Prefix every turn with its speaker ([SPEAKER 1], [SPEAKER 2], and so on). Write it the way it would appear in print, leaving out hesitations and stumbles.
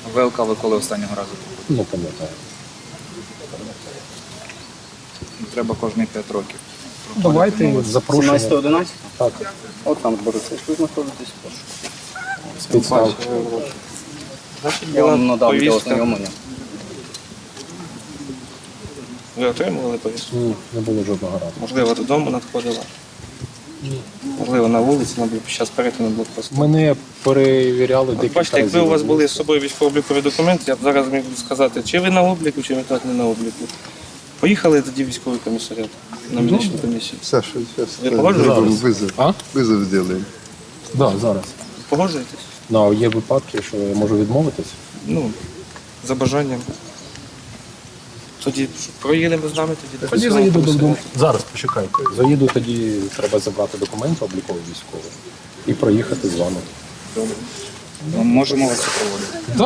[SPEAKER 1] ВЛК ви коли останнього разу?
[SPEAKER 2] Не пам'ятаю.
[SPEAKER 1] Треба кожні 5 років.
[SPEAKER 2] Давайте запрошуємо.
[SPEAKER 3] 17-11?
[SPEAKER 2] Так,
[SPEAKER 3] От там Борисович, ви знаходитесь.
[SPEAKER 2] з підстав.
[SPEAKER 3] Я вам надав для
[SPEAKER 4] повістка.
[SPEAKER 3] ознайомлення.
[SPEAKER 4] Ви отримували повістку?
[SPEAKER 2] Ні, не було жодного разу.
[SPEAKER 4] Можливо, додому надходила? Можливо, на вулиці, під час перетину блокпосту.
[SPEAKER 2] Мене перевіряли декілька
[SPEAKER 4] Бачите,
[SPEAKER 2] разів.
[SPEAKER 4] якби у вас були з собою військово-облікові документи, я б зараз міг сказати, чи ви на обліку, чи ви так не на обліку. Поїхали тоді в військовий комісаріат на медичну комісію.
[SPEAKER 5] Саша, сейчас
[SPEAKER 4] Вы погоджуєтесь?
[SPEAKER 5] вызов.
[SPEAKER 2] А?
[SPEAKER 5] Вызов сделаем.
[SPEAKER 2] Так, да, зараз.
[SPEAKER 4] Погоджуєтесь?
[SPEAKER 2] Ну, а є випадки, що я можу відмовитись.
[SPEAKER 4] Ну, за бажанням. Тоді проїдемо з нами тоді до
[SPEAKER 2] Тоді
[SPEAKER 4] військового
[SPEAKER 2] заїду
[SPEAKER 4] комісаріату.
[SPEAKER 2] додому. Зараз, почекайте. Заїду, тоді треба забрати документи облікові військові і проїхати з вами.
[SPEAKER 1] Ми можемо вас супроводити.